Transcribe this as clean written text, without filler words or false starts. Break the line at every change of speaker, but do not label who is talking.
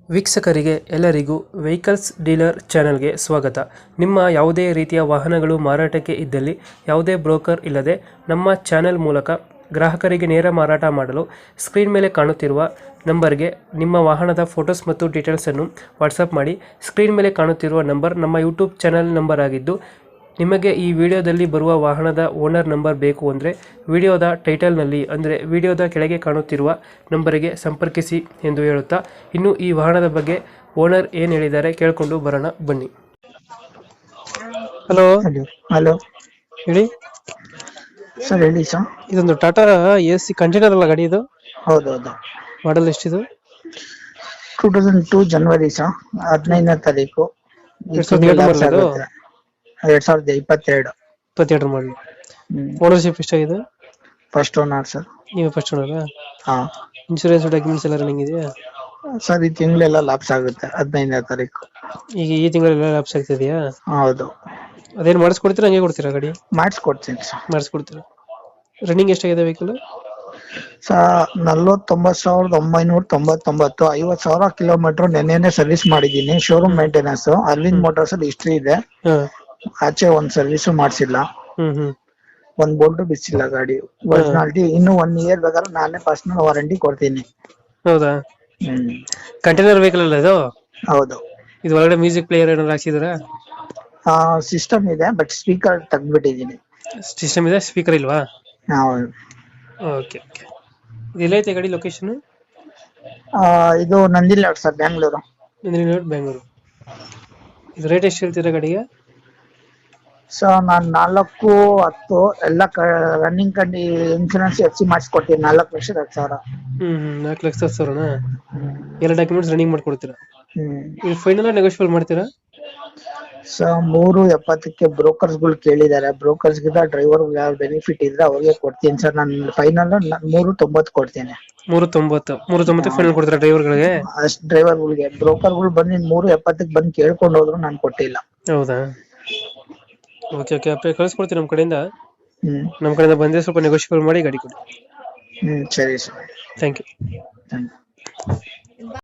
ವೀಕ್ಷಕರಿಗೆ ಎಲ್ಲರಿಗೂ vehicles dealer ಚಾನೆಲ್ಗೆ ಸ್ವಾಗತ. ನಿಮ್ಮ ಯಾವುದೇ ರೀತಿಯ ವಾಹನಗಳು ಮಾರಾಟಕ್ಕೆ ಇದ್ದಲ್ಲಿ ಯಾವುದೇ ಬ್ರೋಕರ್ ಇಲ್ಲದೆ ನಮ್ಮ ಚಾನೆಲ್ ಮೂಲಕ ಗ್ರಾಹಕರಿಗೆ ನೇರ ಮಾರಾಟ ಮಾಡಲು ಸ್ಕ್ರೀನ್ ಮೇಲೆ ಕಾಣುತ್ತಿರುವ ನಂಬರ್ಗೆ ನಿಮ್ಮ ವಾಹನದ ಫೋಟೋಸ್ ಮತ್ತು ಡೀಟೇಲ್ಸನ್ನು ವಾಟ್ಸಪ್ ಮಾಡಿ. ಸ್ಕ್ರೀನ್ ಮೇಲೆ ಕಾಣುತ್ತಿರುವ ನಂಬರ್ ನಮ್ಮ ಯೂಟ್ಯೂಬ್ ಚಾನೆಲ್ ನಂಬರ್ ಆಗಿದ್ದು, ನಿಮಗೆ ಈ ವಿಡಿಯೋದಲ್ಲಿ ಬರುವ ವಾಹನದ ಓನರ್ ನಂಬರ್ ಬೇಕು ಅಂದರೆ ವಿಡಿಯೋದ ಟೈಟಲ್ನಲ್ಲಿ ಅಂದರೆ ವಿಡಿಯೋದ ಕೆಳಗೆ ಕಾಣುತ್ತಿರುವ ನಂಬರಿಗೆ ಸಂಪರ್ಕಿಸಿ ಎಂದು ಹೇಳುತ್ತಾ, ಇನ್ನು ಈ ವಾಹನದ ಬಗ್ಗೆ ಓನರ್ ಏನು ಹೇಳಿದ್ದಾರೆ ಕೇಳಿಕೊಂಡು ಬರೋಣ ಬನ್ನಿ. ಹಲೋ
ಹಲೋ
ಹೇಳಿ
ಸರ್. ಹೇಳಿ ಸರ್.
ಇದೊಂದು ಟಾಟಾ AC ಕಂಟೈನರ್ ಅಲ್ಲ ಗಾಡಿ ಇದು?
ಹೌದೌದು.
ಮಾಡಲ್ ಎಷ್ಟಿದು?
2002 ಜನವರಿ ಸರ್, 15ನೇ ತಾರೀಕು. 2022.
22 ಮಾಡಲಿ. ಓನರ್ಶಿಪ್ ಎಷ್ಟಾಗಿದೆ?
First owner sir.
ನೀವು ಫಸ್ಟ್ ಓನರಾ?
ಹಾ
ಇನ್ಶೂರೆನ್ಸ್ ಡಾಕ್ಯುಮೆಂಟ್ಸ್ ಎಲ್ಲ ರನ್ನಿಂಗ್ ಇದೆಯಾ
ಸರ್? ಈ ತಿಂಗಳೆಲ್ಲ ಲಾಪ್ಸ್ ಆಗುತ್ತೆ 15ನೇ ತಾರೀಕು.
ಈಗ ಈ ತಿಂಗಳೆಲ್ಲ ಲಾಪ್ಸ್ ಆಗ್ತಿದೆಯಾ?
ಹೌದು.
ಅದೇನು ಮಾಡಿಸ್ಕೊಡ್ತೀರಾ ಹಂಗೆ ಕೊಡ್ತೀರಾ ಗಾಡಿ?
ಮಾಡಿಸ್ಕೊಡ್ತೀನಿ ಸರ್.
ಮಾಡಿಸ್ಕೊಡ್ತೀರಾ. ರನ್ನಿಂಗ್ ಎಷ್ಟಾಗಿದೆ ವೆಹಿಕಲ್?
ಸರ್ 49,999, 50,000 ಕಿಲೋಮೀಟರ್ ನೆನ್ನೆನೆ ಸರ್ವಿಸ್ ಮಾಡಿದ್ದೀನಿ. Showroom maintenance. ಅರವಿಂದ್ ಮೋಟಾರ್ಸ್ ಅಲ್ಲಿ ಹಿಸ್ಟ್ರಿ ಇದೆ.
ಹಾಂ.
ಆಚೆ ಒಂದ್ ಸರ್ವಿಸು ಮಾಡಿಸಿಲ್ಲ,
ಹ್ಮ್
ಒಂದ್ ಬೋಲ್ಟ್ ಬಿಚ್ಚಿಲ್ಲ ಗಾಡಿ. ಒರಿಜಿನಾಲಿಟಿ ಇನ್ನು 1 ಇಯರ್ ಬೇಕಾದ್ರೆ ನಾನೇ ಪರ್ಸನಲ್ ವಾರಂಟಿ ಕೊಡ್ತೀನಿ.
ಹೌದಾ? ಕಂಟೈನರ್ ವೆಹಿಕಲ್ ಅಲ್ಲ ಇದು?
ಹೌದು.
ಇದು ಒಳಗಡೆ ಮ್ಯೂಸಿಕ್ ಪ್ಲೇಯರ್ ಏನಾದ್ರು ಹಾಕ್ಸಿದ್ರಾ?
ಸಿಸ್ಟಮ್ ಇದೆ, ಬಟ್ ಸ್ಪೀಕರ್ ತೆಗ್ದ್ಬಿಟ್ಟಿದ್ದೀನಿ.
ಸಿಸ್ಟಮ್ ಇದೆ, ಸ್ಪೀಕರ್ ಇಲ್ವಾ?
ಹೌದು.
Okay okay. ಇದು ಎಲ್ಲೈತೆ ಗಾಡಿ ಲೊಕೇಶನ್?
ಇದು ನಂದಿಲ್ಲ ಸರ್, ಬ್ಯಾಂಗ್ಳೂರು.
ಬೆಂಗಳೂರು. ಇದು ರೇಟ್ ಎಷ್ಟು ಹೇಳ್ತೀರಾ ಗಾಡಿಗೆ?
ಸರ್ ನಾನು 4,10 ಎಲ್ಲ ರನ್ನಿಂಗ್ ಕಂಡು ಇನ್ಶೂರೆನ್ಸ್ FC ಮಾಡಿಸ್ಕೊಡ್ತೀನಿ. 4,10,000.
4,10,000ನಾ? ಎಲ್ಲ ಡಾಕ್ಯುಮೆಂಟ್ಸ್ ರನ್ನಿಂಗ್ ಮಾಡ್ಕೊಡ್ತೀರಾ? ಇದು ಫೈನಲ್ ನೆಗೋಷಿಯಬಲ್ ಮಾಡ್ತೀರಾ?
ಸರ್ 3,70ಕ್ಕೆ ಬ್ರೋಕರ್ಸ್ಗಳು ಕೇಳಿದ್ದಾರೆ. ಬ್ರೋಕರ್ಸ್ಗಿಂತ ಡ್ರೈವರ್ ಯಾವ ಬೆನಿಫಿಟ್ ಇದ್ರೆ ಅವ್ರಿಗೆ ಕೊಡ್ತೀನಿ ಸರ್. ನಾನು ಫೈನಲ್ 3,90 ಕೊಡ್ತೀನಿ.
3,90 ಫೈನಲ್ ಕೊಡ್ತೀರಾ ಡ್ರೈವರ್ಗಳಿಗೆ?
ಅಷ್ಟು ಡ್ರೈವರ್ಗಳಿಗೆ. ಬ್ರೋಕರ್ಗಳು ಬಂದು 3,70ಕ್ಕೆ ಬಂದು ಕೇಳ್ಕೊಂಡು ಹೋದ್ರು ನಾನು ಕೊಟ್ಟಿಲ್ಲ.
ಹೌದಾ? Okay okay. ಅಪ್ಪ ಕಳಿಸ್ಕೊಡ್ತೀನಿ ನಮ್ಮ ಕಡೆಯಿಂದ. ನಮ್ಮ ಕಡೆಯಿಂದ ಬಂದರೆ ಸ್ವಲ್ಪ ನೆಗೋಷಿಯಬಲ್ ಮಾಡಿ ಗಾಡಿ ಕೊಡಿ.
ಸರಿ sir.
Thank you.
Thank you.